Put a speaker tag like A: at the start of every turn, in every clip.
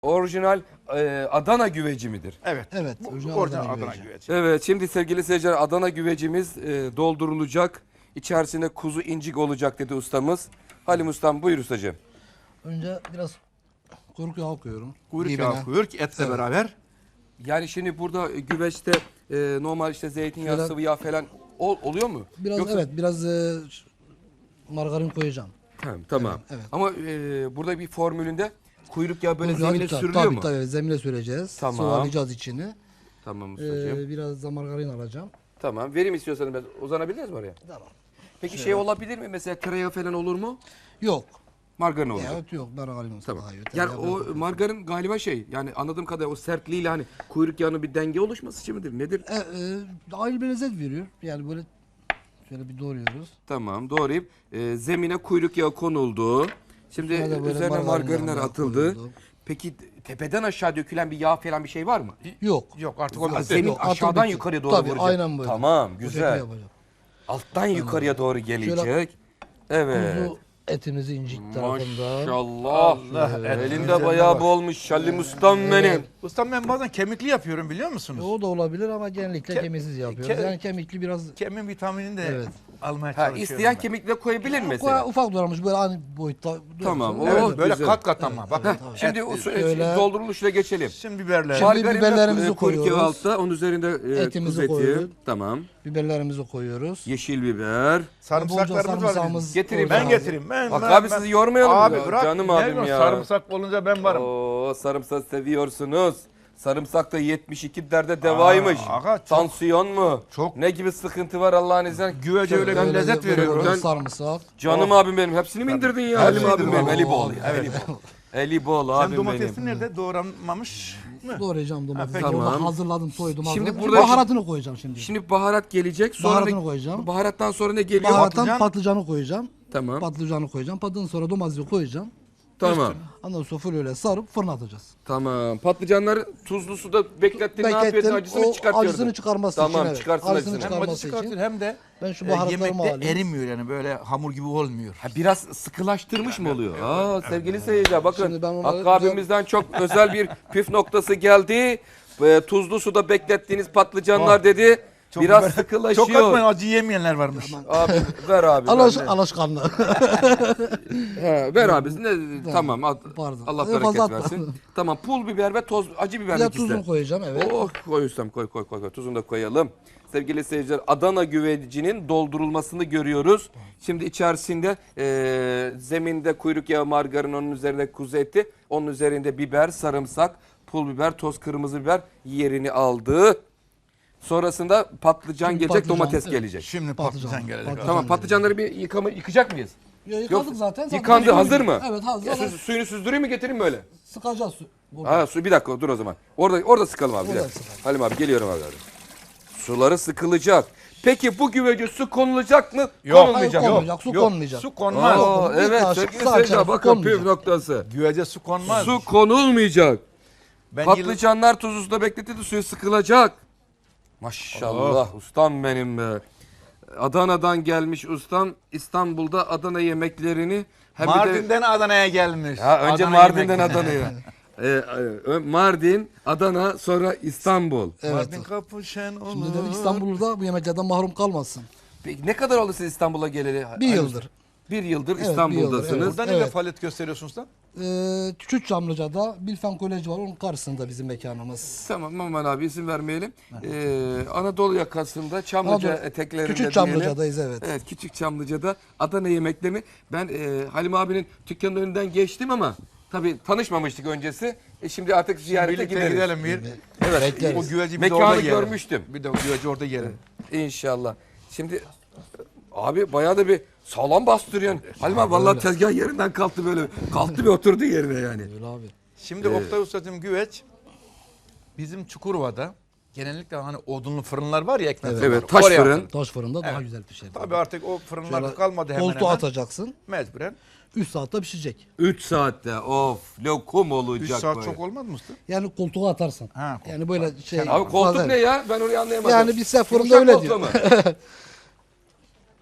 A: Orijinal Adana güveci midir?
B: Evet.
C: Evet.
B: Bu
C: Orijinal
B: orijinal
C: Adana
B: Adana
C: güveci.
B: güveci.
A: Evet, şimdi sevgili seyirciler Adana güvecimiz doldurulacak. İçerisinde kuzu incik olacak dedi ustamız. Halim ustam buyur ustacığım.
C: Önce biraz kuyruk yağı koyuyorum.
B: Kuyruk
C: Dibine.
B: yağı koyuyor ki etle
C: Evet.
B: beraber.
A: Yani şimdi burada güveçte normal işte zeytinyağı,
C: Şöyle-
A: sıvı yağ falan oluyor mu?
C: Biraz
A: Yoksa-
C: evet biraz margarin koyacağım.
A: Tamam.
C: Evet.
A: Ama burada bir formülünde kuyruk yağı böyle
C: Kuyruk yağı
A: zemine
C: tabii,
A: sürülüyor
C: tabii,
A: mu?
C: Tabii zemine süreceğiz.
A: Tamam.
C: Sıvalayacağız içini.
A: Tamam ustacığım.
C: Biraz da margarin alacağım.
A: Tamam. Vereyim istiyorsanız ben uzanabiliriz mi oraya?
C: Tamam.
A: Peki şey olabilir mi? Mesela tereyağı falan olur mu?
C: Yok.
A: Margarin olur.
C: Evet yok margarin olsa
A: Tamam.
C: daha iyi.
A: Yani
C: Tabii,
A: o margarin galiba şey yani anladığım kadarıyla o sertliğiyle hani kuyruk yağının bir denge oluşması için midir? Nedir?
C: ayrı bir lezzet veriyor. Yani böyle şöyle bir doğruyoruz.
A: Tamam doğrayıp zemine kuyruk yağı konuldu. Şimdi
C: Sonra da böyle
A: üzerine margarinler
C: margarinler
A: atıldı.
C: koyuldu.
A: Peki tepeden aşağı dökülen bir yağ falan bir şey var mı?
C: Yok.
B: Yok artık o
A: Ha,
B: bitti.
A: zemin
C: Yok, atıl
A: aşağıdan
C: bitti.
A: yukarıya doğru
C: Tabii,
A: vuracak.
C: aynen böyle.
A: Tamam
C: Bu şekilde
A: güzel.
C: yapacağım.
A: Alttan yukarıya doğru gelecek. Evet.
C: Kuzu etimizi incik tarafında.
A: Maşallah.
B: Allah,
A: Elinde
B: güzeline
A: bayağı
B: bak.
A: bu olmuş Şallim ustam benim.
B: Ustam ben bazen kemikli yapıyorum biliyor musunuz?
C: O da olabilir ama genellikle
B: Ke-
C: kemiksiz yapıyoruz.
B: ke-
C: Yani kemikli biraz
B: Kemik vitaminini de
C: Evet.
B: almaya
A: Ha,
B: çalışıyorum.
A: isteyen
B: ben.
A: kemikle koyabilir mi mesela?
C: ufak doğramış böyle aynı boyutta.
A: Tamam,
C: doğramış.
A: o-
B: Evet böyle
A: güzel.
B: kat kat ama. Bakın.
A: Şimdi
B: et-
A: o
C: Şöyle-
A: dolduruluşla geçelim.
B: Şimdi biberler.
C: Şimdi
A: Margarin ve
C: biberlerimizi
A: kuyruk yağı
C: koyuyoruz.
A: altta, onun üzerinde
C: Etimizi
A: kuzu eti.
C: koyduk.
A: Tamam.
C: Biberlerimizi koyuyoruz.
A: Yeşil biber.
B: Sarımsaklarımız var.
C: sarımsağımız
B: bizim.
A: Getireyim.
B: Ben
C: koyacağız.
B: getireyim. Ben,
A: Bak
B: ben-
A: abi
B: ben-
A: sizi yormayalım
B: Abi
A: ya.
B: bırak.
A: Canım
B: ne
A: abim
B: diyorsun?
A: ya.
B: Sarımsak olunca ben varım.
A: Oo, sarımsak seviyorsunuz. Sarımsak da 72 derde devaymış.
B: aga, çok-
A: Tansiyon mu?
B: çok-
A: Ne gibi sıkıntı var Allah'ın izniyle?
B: Güvece öyle bir
C: Böyle
B: lezzet
C: böyle
B: veriyor.
C: böyle
A: Ben-
C: sarımsak.
A: Canım abim benim. Hepsini mi indirdin ya? Halim
B: Hepsini
A: abim benim.
B: indirdim.
A: Eli bol
C: Oo,
A: ya.
B: evet.
A: Eli bol. Eli bol
B: Sen
A: abim
B: domatesin
A: benim.
B: nerede? Doğranmamış mı?
C: Doğrayacağım domatesi.
B: peki.
C: Orada
A: Tamam.
C: hazırladım, soydum.
A: Şimdi
C: Şimdi
A: burada-
C: baharatını koyacağım şimdi.
A: Şimdi baharat gelecek. Sonra
C: Baharatını koyacağım.
A: Baharattan sonra ne geliyor?
C: Baharattan patlıcanı koyacağım.
A: Tamam.
C: Patlıcanı koyacağım. Patlıcanın sonra domatesi koyacağım.
A: Tamam.
C: Ondan sonra full öyle sarıp fırına atacağız.
A: Tamam. Patlıcanları tuzlu suda beklettin. Ne yapıyorsun? Acısını
C: o
A: çıkartıyorsun.
C: acısını çıkarması
A: Tamam,
C: için. Evet.
A: çıkarsın
C: Acısını
A: acısını.
B: Hem acı
C: çıkarması
B: çıkartıyor
C: için.
B: hem de
C: Ben şu baharatlarımı
B: yemekte
C: alayım.
B: erimiyor yani böyle hamur gibi olmuyor.
A: Ha, biraz sıkılaştırmış mı oluyor? Sevgili seyirciler bakın
C: Şimdi ben onları
A: Hakkı abimizden çok özel bir püf noktası geldi. Tuzlu suda beklettiğiniz patlıcanlar dedi. Biraz
B: Çok
A: sıkılaşıyor.
B: atmayın acı yemeyenler varmış.
A: Abi ver abi.
C: Alaşkanlı.
A: Ver abi. Tamam.
C: Pardon.
A: Allah
C: Fazla
A: bereket
C: atma.
A: versin. Tamam pul biber ve acı biber
C: Bir de
A: ikisi de.
C: tuzunu koyacağım evet.
A: Oh koy ustam koy. Tuzunu da koyalım. Sevgili seyirciler Adana güvecinin doldurulmasını görüyoruz. Şimdi içerisinde zeminde kuyruk yağı, margarin, onun üzerinde kuzu eti, onun üzerinde biber, sarımsak, pul biber, toz kırmızı biber yerini aldı. Sonrasında patlıcan
C: Şimdi
A: gelecek,
C: patlıcan,
A: domates
C: evet.
A: gelecek.
B: Şimdi patlıcan gelecek.
C: Patlıcan.
A: Tamam patlıcanları bir yıkacak mıyız?
C: Yıkadık
A: Yok,
C: zaten.
A: yıkandı, hazır mı?
C: Evet hazır.
A: Suyunu süzdüreyim mi getireyim mi öyle?
C: Sıkacağız su.
A: Ha su bir dakika dur o zaman. Orada sıkalım abi. Bir
C: Orada
A: dakika.
C: sıkalım.
A: Halim abi geliyorum abi. Suları sıkılacak. Peki bu güvece su konulacak mı?
B: Yok,
A: Konulmayacak.
C: hayır,
A: mı?
C: konmayacak. Su
B: Yok,
C: konmayacak.
B: su konmaz.
A: Aa,
C: Bir
A: evet
C: kaşık
A: sevgili
C: su
A: seyirciler
C: açar, su
A: bakın püf
C: konmayacak.
A: noktası.
B: Güvece su konmaz.
A: Su konulmayacak.
B: Ben
A: Patlıcanlar tuzlu suda bekletildi suyu sıkılacak. Maşallah ustam benim be. Adana'dan gelmiş ustam İstanbul'da Adana yemeklerini hem bir de
B: Mardin'den Adana'ya gelmiş.
A: ha, önce
B: Adana
A: Mardin'den
B: yemek.
A: Adana'ya. Mardin, Adana, sonra İstanbul.
C: Evet.
B: Mardin kapışan olur.
C: Şimdi dedik İstanbul'da bu yemeklerden mahrum kalmasın.
A: Peki ne kadar oldu siz İstanbul'a geleli?
C: Bir yıldır.
A: Bir yıldır
C: Evet,
A: İstanbul'dasınız.
C: bir yıldır,
B: Burada ne
C: Evet.
B: faaliyet gösteriyorsunuz lan?
C: Küçük Çamlıca'da Bilfen Koleji var. Onun karşısında bizim mekanımız.
A: Tamam aman abi isim vermeyelim. Anadolu yakasında Çamlıca
C: Anadolu-
A: eteklerinde
C: Küçük
A: diyelim.
C: Çamlıca'dayız evet.
A: Evet Küçük Çamlıca'da Adana yemeklerini ben Halim abinin dükkanının önünden geçtim ama tabii tanışmamıştık öncesi. Şimdi artık ziyarete
B: Birlikte
A: gideriz.
B: gidelim bir.
A: Evet.
C: Bekleriz.
B: O güveci bir de
A: Mekanı
B: orada yiyelim.
A: görmüştüm.
B: Bir de o güveci orada yiyelim.
A: İnşallah. Şimdi abi bayağı da bir sağlam bastırıyorsun. Halim abi vallahi tezgah yerinden kalktı böyle. Kalktı bir oturdu yerine yani.
C: Öyle abi.
B: Şimdi Oktay Usta'cığım güveç bizim Çukurova'da genellikle hani odunlu fırınlar var ya ekmek fırınları.
A: Evet, taş
B: Oraya
A: fırın.
B: atılır.
C: Taş fırında daha
B: Evet.
C: güzel pişer.
B: Tabii artık o fırınlar
C: Şöyle
B: kalmadı hemen
C: koltuğa
B: hemen.
C: atacaksın.
B: Mecburen.
C: 3 saatte pişecek.
A: 3 saatte of lokum olacak
B: 3 saat
C: şey.
A: böyle.
B: çok olmaz mı usta?
C: Yani koltuğa atarsan.
B: Ha, koltuğa.
C: Yani böyle şey.
A: Abi koltuk
C: fazla-
A: ne ya? Ben orayı anlayamadım.
C: Yani biz fırında
A: Yumuşak
C: öyle
A: koltuğa
C: diyor.
A: mı?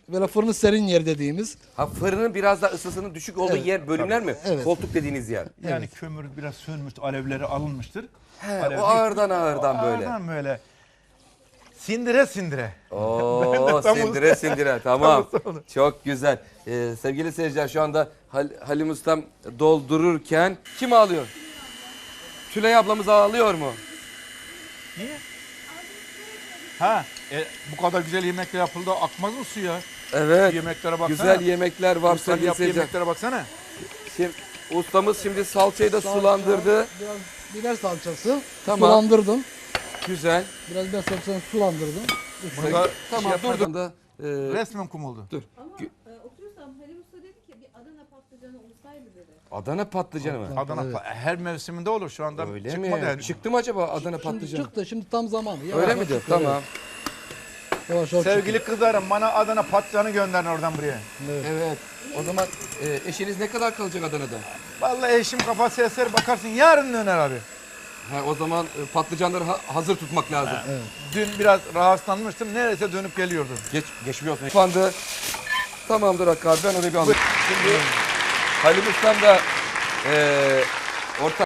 C: Böyle fırını serin yer dediğimiz.
A: Ha, fırının biraz da ısısının düşük olduğu
C: Evet.
A: yer bölümler mi?
C: Evet.
A: Koltuk dediğiniz yer.
B: Yani kömür biraz sönmüş, alevleri alınmıştır.
A: O ağırdan böyle.
B: Ağırdan böyle. Sindire sindire.
A: Oo,
B: tam
A: sindire sindire, tamam.
B: Tam usta.
A: Çok güzel. Sevgili seyirciler, şu anda Halim Ustam doldururken kim ağlıyor? Tülay ablamız ağlıyor mu?
B: Niye? Ha, bu kadar güzel yemekler yapıldı, akmaz mı su ya?
A: Evet.
B: Yemeklere baksana.
A: Güzel yemekler var
B: Ustanın
A: sevgili
B: yaptığı
A: seyirciler.
B: yemeklere baksana.
A: Şimdi, ustamız şimdi salçayı da sulandırdı.
C: Biraz biber salçası.
A: Tamam.
C: Sulandırdım.
A: Güzel.
C: Biraz biber salçasını sulandırdım.
B: Bunu da
A: Tamam,
B: şey
A: dur da.
B: resmen kum oldu.
A: Dur.
D: Ama oturursam Halim Usta dedi ki bir Adana patlıcanı olsaydı dedi.
A: Adana patlıcanı mı?
B: Adana
C: Evet.
B: her mevsiminde olur şu anda.
A: Öyle
B: çıkmadı
A: mi?
B: henüz.
A: Çıktı mı acaba Adana
C: Şimdi
A: patlıcanı?
C: çıktı. Şimdi tam zamanı. Yavaş
A: Öyle
C: yavaş
A: midir?
C: çıkıyor,
A: Tamam.
C: evet. Yavaş yavaş
B: Sevgili kızlarım, bana Adana patlıcanı gönderin oradan buraya.
A: Evet. O zaman eşiniz ne kadar kalacak Adana'da?
B: Vallahi eşim kafası eser, bakarsın yarın döner abi.
A: Ha, o zaman patlıcanları hazır tutmak lazım.
B: Dün biraz rahatsızlanmıştım. Neredeyse dönüp geliyordum.
A: Geçmiyor olsun. Şu anda tamamdır Hakkı abi, ben onu bir alayım. Şimdi Halim Ustam da orta